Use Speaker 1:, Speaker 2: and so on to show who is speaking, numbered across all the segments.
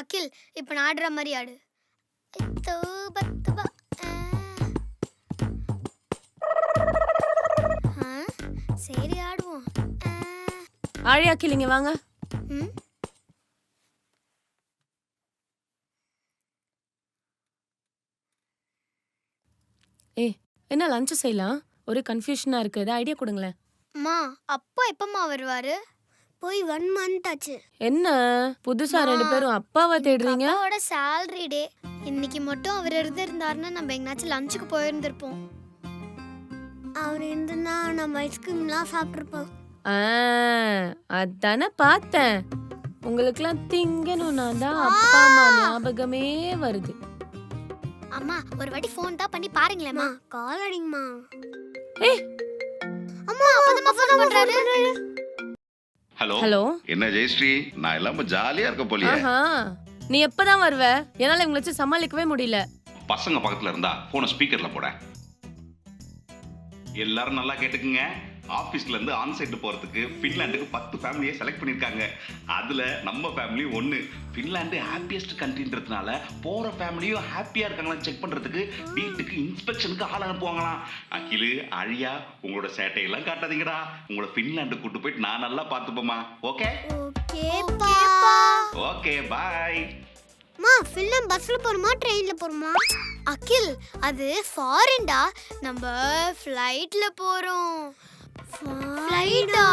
Speaker 1: அகில், இப்ப நான் ஆடுற மாதிரி ஆடு. தூபத்துபா. சரி ஆடுவோம்.
Speaker 2: ஆழி அகில் இங்க வாங்க.
Speaker 1: ம்.
Speaker 2: என்ன லஞ்ச் செய்யலாம்? ஒரு கன்ஃபியூஷனா இருக்கு. ஏதாவது ஐடியா கொடுங்களேன்.
Speaker 1: அம்மா, அப்பா எப்பம்மா வருவாரு? போய் 1 மந்த் ஆச்சு.
Speaker 2: என்ன புதுசா ரெண்டு பேரும் அப்பாவை தேடுறீங்க?
Speaker 1: அப்பாவோட salary டே. இன்னைக்கு மட்டும் அவர் இருந்திருந்தாருன்னா நம்ம எங்கனாச்சும் லஞ்சுக்கு போயிருந்திருப்போம். அவர் இருந்திருந்தா நம்ம ஐஸ்கிரீம்லாம் சாப்பிட்டுருப்போம்.
Speaker 2: அதானே பார்த்தேன். உங்களுக்குலாம் திங்கணும்னா தான் அப்பா அம்மா ஞாபகமே வருது.
Speaker 1: அம்மா, ஒரு வாட்டி ஃபோன் தான் பண்ணி பாருங்களேம்மா. கால் அடிங்கம்மா.
Speaker 2: ஏய்,
Speaker 1: அம்மா, அப்பதான் ஃபோன் பண்றாரு.
Speaker 3: Hello
Speaker 2: hello.
Speaker 3: என்ன ஜெயஸ்ரீ, நான் எல்லாம் ஜாலியா இருக்க போலியே.
Speaker 2: ஆஹா, நீ எப்பதான் வருவ? என்னால இவங்களை வச்சு சமாளிக்கவே முடியல.
Speaker 3: பசங்க பக்கத்துல இருந்தா போன ஸ்பீக்கர்ல போட. எல்லாரும் நல்லா கேட்டுக்குங்க. ஆபீஸ்ல இருந்து ஆன்சைட் போறதுக்கு பின்லாண்டுக்கு 10 ஃபேமிலியை செலக்ட் பண்ணிருக்காங்க. அதுல நம்ம ஃபேமிலி ஒன்னு. பின்லாந்து ஹாப்பியஸ்ட் கண்ட்ரின்றதுனால போற ஃபேமிலியும் ஹாப்பியா இருக்காங்களான்னு செக் பண்றதுக்கு வீட்டுக்கு இன்ஸ்பெக்ஷனுக்கு ஆள் அனுப்புவாங்களாம். அகிலு, அழியா, உங்களோட சேட்டையெல்லாம் காட்டாதீங்கடா. உங்களை பின்லாண்டு கூட்டு போயிட்டு நான் நல்லா பார்த்துப்போமா. ஓகே
Speaker 1: ஓகேப்பா.
Speaker 3: Okay bye.
Speaker 1: அம்மா, ஃபில்லம் பஸ்ல போறோமா ட்ரெயின்ல போறோமா? அகில், அது ஃபாரின்டா. நம்ம ஃளைட்ல போறோம். ஃளைட்டா?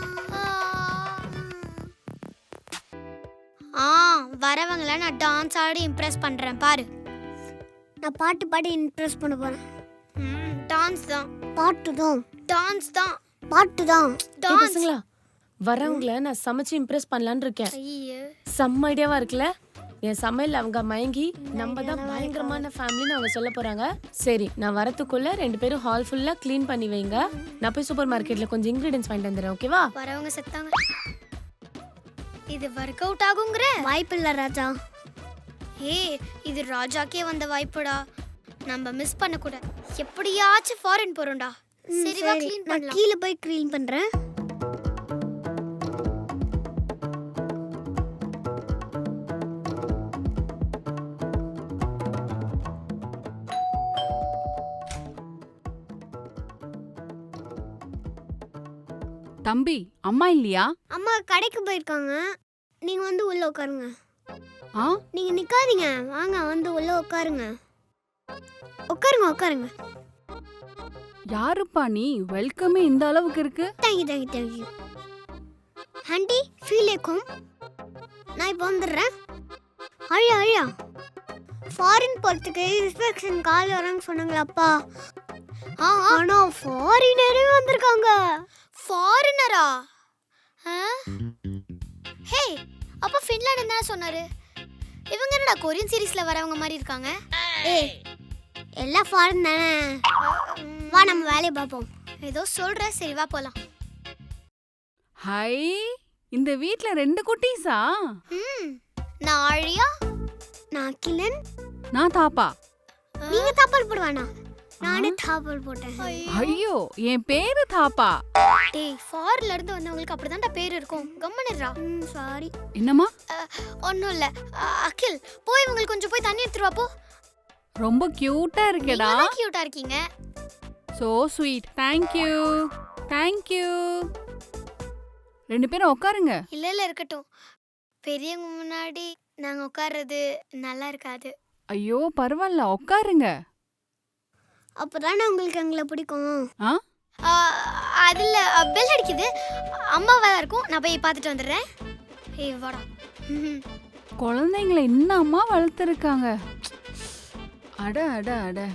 Speaker 1: வரவங்கள நான் டான்ஸ் ஆடி இம்ப்ரெஸ் பண்றேன் பாரு. நான் பாட்டு பாடி இம்ப்ரெஸ் பண்ண போறேன். டான்ஸ் தான். பாட்டு தான். டான்ஸ் தான். பாட்டு தான்.
Speaker 2: ஏய் பசங்களா, வரவங்கள நான் சமைச்சு இம்ப்ரெஸ் பண்ணலான்னு இருக்கேன்.
Speaker 1: ஐயோ,
Speaker 2: செம்ம ஐடியாவா இருக்குல்ல? என் சமையல் அவங்க மயங்கி நம்ம தான் பயங்கரமான ஃபேமிலின்னு அவங்க சொல்ல போறாங்க. சரி, நான் வரத்துக்குள்ள 2 பேரும் ஹால் ஃபுல்லா க்ளீன் பண்ணி வைங்க. நான் போய் சூப்பர் மார்க்கெட்ல கொஞ்சம் இன்கிரிடியன்ஸ் வாங்கிட்டு வந்துடுறேன். ஓகேவா?
Speaker 1: வரவங்க செத்தாங்க. இது வொர்க் அவுட் ஆகுங்கற வாய்ப்பில்ல ராஜா. ஏய், இது ராஜாக்கே வந்த வாய்ப்புடா. நம்ம மிஸ் பண்ண கூட. எப்படியாச்சும் ஃபாரின் போறோம்டா. சரி வா, க்ளீன் பண்ணலாம். கீழ போய் க்ளீன் பண்றேன்.
Speaker 4: தம்பி, அம்மா இல்லையா?
Speaker 1: அம்மா கடைக்கு போயிருக்காங்க. நீங்க வந்து உள்ள உட்காருங்க.
Speaker 4: ஆ,
Speaker 1: நீங்க நிக்காதீங்க, வாங்க வந்து உள்ள உட்காருங்க. உட்காருங்க உட்காருங்க.
Speaker 4: யாருப்பா நீ? வெல்கமே இந்த அளவுக்கு இருக்கு.
Speaker 1: தேங்க்யூ. ஆண்டி, ஃபீல் ஏக்கும். நான் இப்போ வந்துடுறேன். அழியா ஃபாரின் போறதுக்கு இன்ஸ்பெக்ஷன் கால் வரேன்னு சொன்னாங்களாப்பா. ஆனா ஃபாரினரே வந்திருக்காங்க. ஃபாரினரா? ஹே, அப்ப ஃபின்லாண்ட் என்ன சொன்னாரு? இவங்க என்னடா கொரியன் சீரிஸ்ல வரவங்க மாதிரி இருக்காங்க? ஏய், எல்லாம் ஃபாரின் தானே. வா, நம்ம வேலையை பார்ப்போம். ஏதோ சொல்ற, சரி வா போலாம்.
Speaker 4: ஹை, இந்த வீட்ல 2 குட்டீஸா?
Speaker 1: நான் ஆழியா, நான் அகிலன்,
Speaker 4: நான் தாப்பா.
Speaker 1: நீங்க தாப்பால் போடுவானா? நானே தாப்பால் போட்டேன்.
Speaker 4: ஐயோ, என் பேரு தாப்பா.
Speaker 1: டேய், ஃபாரின்ல இருந்து வந்தவங்களுக்கு அப்படிதான்டா பேர் இருக்கும். கம்மனிரா. சாரி.
Speaker 4: என்னம்மா?
Speaker 1: ஒண்ணும் இல்ல. அகில், போய் இவங்களுக்கு கொஞ்சம் போய் தண்ணி எடுத்துட்டு வா போ.
Speaker 4: ரொம்ப கியூட்டா இருக்கேடா.
Speaker 1: நீங்க கியூட்டா இருக்கீங்க.
Speaker 4: So sweet. Thank you. 2 பேரும் உட்காருங்க.
Speaker 1: இல்ல இருக்கட்டும். பெரியவங்க முன்னாடி நாங்க உட்கார்றது நல்லா இருக்காது.
Speaker 4: ஐயோ, பரவாயில்ல, உட்காருங்க.
Speaker 1: அப்பதானே உங்களுக்கு எங்களை பிடிக்கும்.
Speaker 4: ஆ,
Speaker 1: அதுல பெல் அடிக்குது. அம்மாவா இருக்கும். நான் போய் பார்த்துட்டு வந்துடுறேன். ஏய் வாடா.
Speaker 4: குழந்தைங்களை இன்னும் அம்மா வளர்த்துருக்காங்க. அட அட அட.